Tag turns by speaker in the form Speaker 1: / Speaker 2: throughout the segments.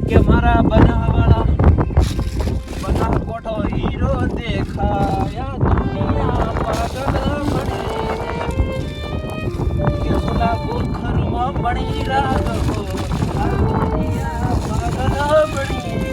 Speaker 1: કે મારા બનાવાળા બના કોઠો હીરો દેખાયા દુનિયા પાગલ બની કે ઓલા ગોખરમાં બની રાગો આ દુનિયા પાગલ બની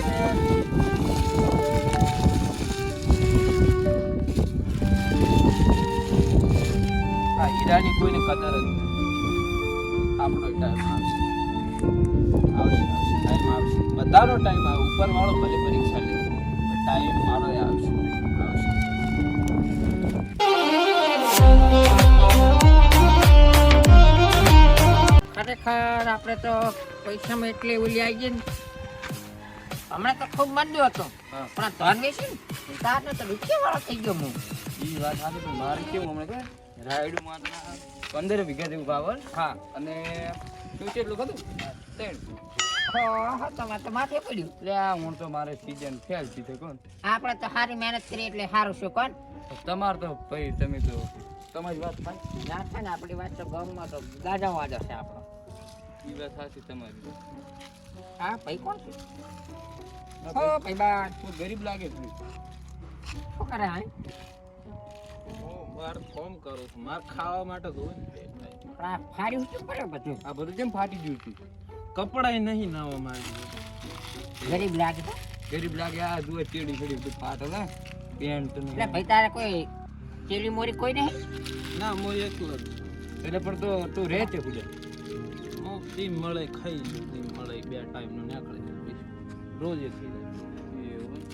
Speaker 1: આ હીરાની કોઈને કદર જ નથી. આપણો ટાઈમ આવશે ટાઈમ આવશે બધાનો ટાઈમ આવે. ઉપર વાળો ભલે પરીક્ષા લે ટાઈમ મારો આવશે.
Speaker 2: ખરેખર આપણે તો પૈસામાં એટલે ઓલી આવી ગઈ ને હમણાં તો ખૂબ મંદ્યો હતો પણ આ ધન વેચી ને તારને તો રૂપિયા વાળો થઈ ગયો હું.
Speaker 1: એ વાત સાચી પણ મારે કેવું હમણાં કે રાયડું માં 15 વીઘા જેવું પાવર. હા અને શું છે એટલું ખરું 3
Speaker 2: તમારે તો માથે પડ્યું.
Speaker 1: એટલે આ હું તો મારે સીઝન ફેલ સીધે કોણ.
Speaker 2: આપણે તો સારી મહેનત કરી એટલે સારું શું કોણ.
Speaker 1: તમાર તો ભાઈ તમે તો તમારી વાત થાય
Speaker 2: ના થાય ને આપણી વાત તો ગામમાં તો ગાજા વાજો છે આપણો.
Speaker 1: એ વાત સાચી તમારી.
Speaker 2: હા ભાઈ કોણ છે? હો ભાઈ બા
Speaker 1: તું ગરીબ લાગે છે.
Speaker 2: શું કરે હા?
Speaker 1: હું માર ફોર્મ કરું છું. માર ખાવા માટે જોવે ને પેટ ભાઈ.
Speaker 2: પણ આ ફાડ્યું શું કરે બધું?
Speaker 1: આ બધું કેમ ફાટી ગયું છે? કપડાય નહીં નાવા મારી.
Speaker 2: ગરીબ લાગે તો
Speaker 1: ગરીબ લાગે. આ જુએ ચેડી ચેડી બધું ફાટેલા પેન્ટ ને.
Speaker 2: એટલે ભાઈ તારે કોઈ ચેલી મોરી કોઈ નહીં?
Speaker 1: ના હું એકલો જ. એટલે પણ તો તું રહે છે ખુદે. હું ટીમ મળે ખાઈ ટીમ મળે 2 ટાઈમનું નીકળે છે રોજ એ થઈ જાય એવું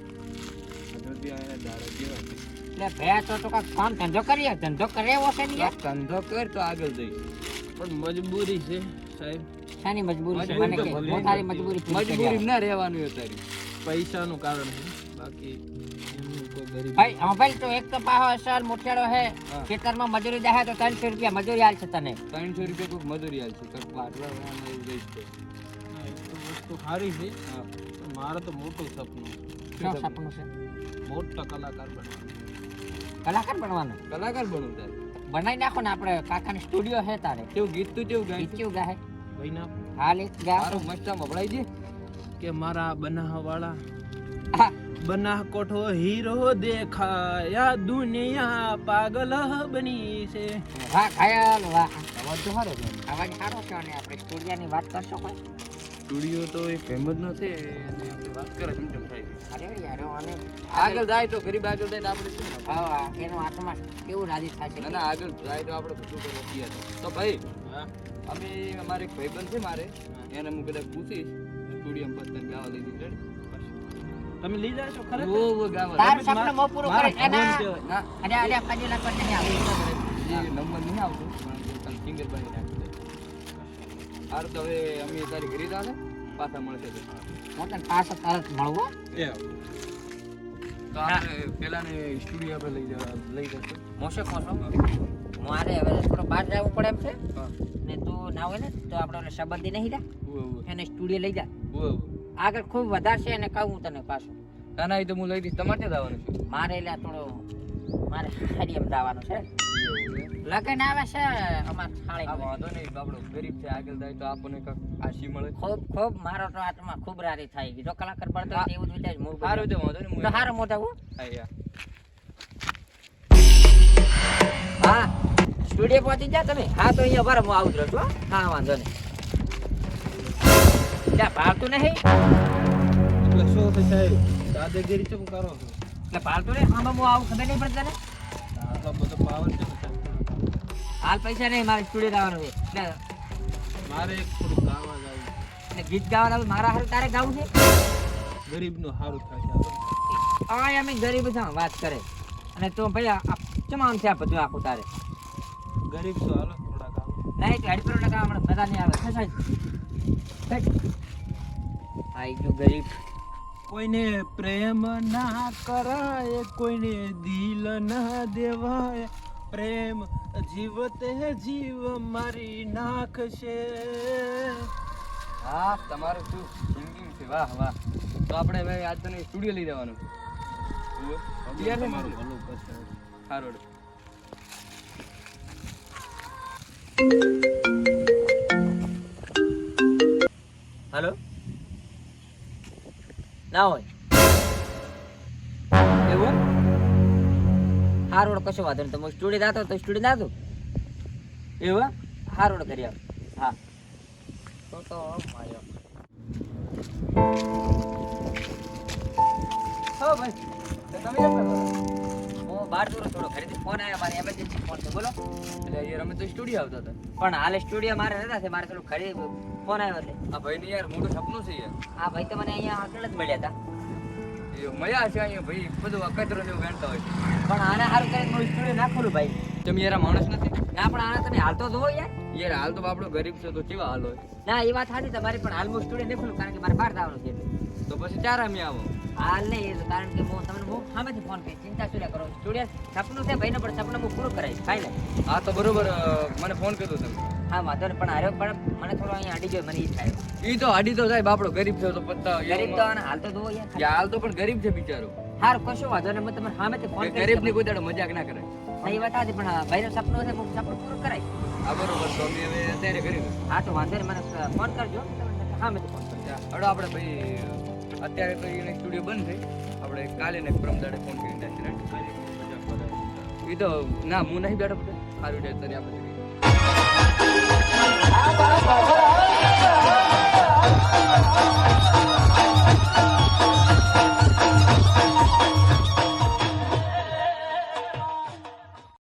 Speaker 1: બધું આને દાડા જેવા.
Speaker 2: એટલે ભયા તો કાંઈક કામ ધંધો કરીએ. ધંધો કરે એવો છે ને યાર.
Speaker 1: ધંધો કર તો આગળ જઈ. પણ મજબૂરી છે સાહેબ.
Speaker 2: શાની મજબૂરી છે? મને કે મોટારી મજબૂરી પૂરી કરી
Speaker 1: મજબૂરી
Speaker 2: આપ.
Speaker 1: ના રહેવાનું અત્યારે પૈસાનું કારણ છે. બાકી એમનું કોઈ ગરીબ
Speaker 2: ભાઈ હા ભાઈ તો એક તો પાહો અસલ મોટેડો હે
Speaker 1: હા.
Speaker 2: ખેતરમાં મજૂરી જાય તો 300 રૂપિયા મજૂરી આલશે તને.
Speaker 1: 300 રૂપિયા કોઈ મજૂરી આલશે કર પાટલા એવું જઈશ તો. હા એ તો વસ્તુ સારી છે. હા પણ મારે તો મોટું સપનું
Speaker 2: શું સપનું છે?
Speaker 1: મોટા કલાકાર બનવાનું.
Speaker 2: કલાકાર બનવાનો?
Speaker 1: કલાકાર બનવું તારે
Speaker 2: બનાવી નાખો ને આપણે કાકાનો સ્ટુડિયો હે તારે.
Speaker 1: કેવું ગીત તું કેવું ગાય
Speaker 2: ગીત ગાહે
Speaker 1: ભાઈ ના
Speaker 2: હાલ એક ગા.
Speaker 1: મારું મસ્તા મભળાઈ દે કે મારા બનાવાળા
Speaker 2: હા.
Speaker 1: બના કોઠો હીરો દેખાયા દુનિયા પાગલ બની છે.
Speaker 2: વાહ ઘાયલ વાહ. અવાજ તો સારો છે. અવાજ સારો છે અને આપણે સ્ટુડિયોની વાત કરશો કોઈ?
Speaker 1: સ્ટુડિયો તો એક ફેમસ ન છે અને આપણે વાત કરે કેમ કેમ થાય.
Speaker 2: અરે યાર અને
Speaker 1: આગળ જાય તો ગરીબ આગળ જાય તો આપણે શું ના થાય?
Speaker 2: હા એનો આત્મા કેવું રાજી થાય છે.
Speaker 1: ના ના આગળ જાય તો આપણે બધું કરવા તૈયાર છે. તો ભાઈ અમે અમારે એક ભાઈબંધ છે મારે એને હું કદાચ પૂછીશ સ્ટુડિયોમાં પતંગ ગાવા લઈ દીધું. તમે લઈ જાય છો ખરે? ઓ ગાવા
Speaker 2: તારું સપનું મો પૂરું કરે એના.
Speaker 1: ના
Speaker 2: અરે અરે પાજી લાખ પર નહીં આવે.
Speaker 1: એ નંબર નહીં આવતો પણ સિંગર બની નાખે. હાર તો હવે અમે તારી ઘરે આવે પાછા મળશે તો
Speaker 2: હું તને પાછો તરત મળવો.
Speaker 1: એ તો આપણે પેલાને સ્ટુડિયો આપણે લઈ જશું.
Speaker 2: મોશે કોસો મારે હવે થોડો બહાર જવું પડે એમ છે
Speaker 1: હા
Speaker 2: ને તું ના હોય ને તો આપણે ઓલે સંબંધી નહીં જા
Speaker 1: ઓ
Speaker 2: એને સ્ટુડિયો લઈ જા.
Speaker 1: ઓ
Speaker 2: આગળ ખૂબ વધારે છે અને કહું તને પાછું.
Speaker 1: ના ના એ તો હું લઈ દઈશ. તમારે ક્યાં જવાનું છે?
Speaker 2: મારે એટલે થોડો મારે હાડીએમ જવાનું છે. લગન આવે છે અમાર
Speaker 1: આ
Speaker 2: થાળી.
Speaker 1: વાંધો નહીં આપણો ગરીબ છે આગળ જાય તો આપણને કાંક આશી મળે.
Speaker 2: ખૂબ ખૂબ મારો તો આત્મા ખૂબ રારી થાય ગઈ. જો કલાકાર બનતો હોય તો એવું જ વિચાર હું
Speaker 1: સારું તો વાંધો નહીં
Speaker 2: તો હારો મોટા હું
Speaker 1: હા યા
Speaker 2: હા સ્ટુડિયો પહોંચી જા તમે. હા તો અહીંયા બરાબર હું આવું જ રહું છું. હા વાંધો નહીં. ત્યાં ભાવતું નહીં
Speaker 1: એટલે શું છે સાહેબ દાદાગીરી કેમ કરો છો?
Speaker 2: એટલે ભાવતું નહીં. આમાં હું આવું ખબર નહીં પડતી તને.
Speaker 1: આટલો બધો પાવર છે ને સાહેબ.
Speaker 2: હાલ પૈસા નહીં મારે સ્ટુડિયો આવવાનું છે એટલે
Speaker 1: મારે એક થોડું ગાવા જાવું
Speaker 2: એટલે ગીત ગાવા લાવું મારા હારું તારે ગાવું છે.
Speaker 1: ગરીબનું સારું થશે.
Speaker 2: આ અમે ગરીબ છે વાત કરે અને તો ભાઈ આ તમામ છે આ બધું આખું તારે
Speaker 1: ગરીબ છો હાલો થોડા ગાવ.
Speaker 2: નહીં તો હેડપરો લગાવ હમણાં મજા નહીં આવે. ખસાય આઈ ગયો ગરીબ.
Speaker 1: કોઈને પ્રેમ ના કરાય કોઈને દિલ ના દેવાય પ્રેમ જીવતે જીવ મારી નાખશે. હા તમારું શું સિંગિંગ છે વાહ વાહ. તો આપણે હવે આજ તને સ્ટુડિયો લઈ જવાનું છે. તમારું ભલું કરશે. સારું
Speaker 2: हेलो ના હોય એવું હારોડ કશો વાંધો નહીં તમે સ્ટુડિયો જાતો તો સ્ટુડિયો જાતો એવું હારોડ કરી આવ હા તો માર્યો હો ભાઈ તમે કેમ કરો હું બહાર દૂર થોડો ઘરેથી ફોન આવ્યો મારી એમરજન્સી ફોન છે બોલો
Speaker 1: એટલે યાર અમે તો સ્ટુડિયો આવતા હતા.
Speaker 2: પણ હાલે સ્ટુડિયો મારે નતા છે મારે થોડું ઘરે ફોન આવ્યો છે
Speaker 1: આ ભાઈની યાર મોટું સપનું છે યાર.
Speaker 2: આ ભાઈ તો મને અહીંયા આગળ જ મળ્યા હતા
Speaker 1: એ મળ્યા છે અહીંયા ભાઈ બધું અકતરો જેવું ગણતા હોય છે.
Speaker 2: પણ આને સારું કરીને હું સ્ટુડિયો ના ખોલું ભાઈ
Speaker 1: તમે યાર આ માણસ નથી.
Speaker 2: ના પણ આને તમે હાલતો જોવો યાર
Speaker 1: યાર હાલ તો આપણો ગરીબ છે તો કેવા હાલ હોય.
Speaker 2: ના એ વાત સાચી તમારી પણ હાલ હું સ્ટુડિયો નહીં ખોલું કારણ કે મારે બહાર જવાનું છે એટલે.
Speaker 1: તો પછી ચાર અમે આવો.
Speaker 2: હાલ નહીં એ તો કારણ કે હું તમને હું સામેથી ફોન કરી ચિંતા શું કરો સ્ટુડિયો સપનું છે ભાઈનો પણ સપનું હું પૂરું કરાવીશ ખાઈ લે
Speaker 1: હા તો બરોબર મને ફોન કર્યો તમે.
Speaker 2: હા વાંધો નહીં પણ હાર્યો પણ મને થોડો અહીંયા અડી ગયો મને એ થાય
Speaker 1: ઈ તો હાડી તો સાહેબ આપણો ગરીબ છે તો પત્તા
Speaker 2: ગરીબ તો આને હાલ તો જોવો યાર
Speaker 1: યાર હાલ તો પણ ગરીબ છે બિચારો.
Speaker 2: હારું કશો વાંધો નહીં હું તમને સામેથી ફોન કરી
Speaker 1: ગરીબ ની કોઈ દાડો મજાક ના કરે.
Speaker 2: એ વાત સાચી પણ ભાઈનું સપનું છે હું સપનું પૂરું કરાય
Speaker 1: આ બરોબર તો અમે હવે અત્યારે કરી
Speaker 2: હા તો વાંધો નહીં મને ફોન કરજો સામેથી ફોન કરજો
Speaker 1: હડો આપણે ભાઈ અત્યારે તો એને સ્ટુડિયો બંધ છે. આપણે કાલે ને પરમ દાડે ફોન કરીને નાખી ઈ તો ના હું નહીં બેઠો બધે સારું છે તને આપણે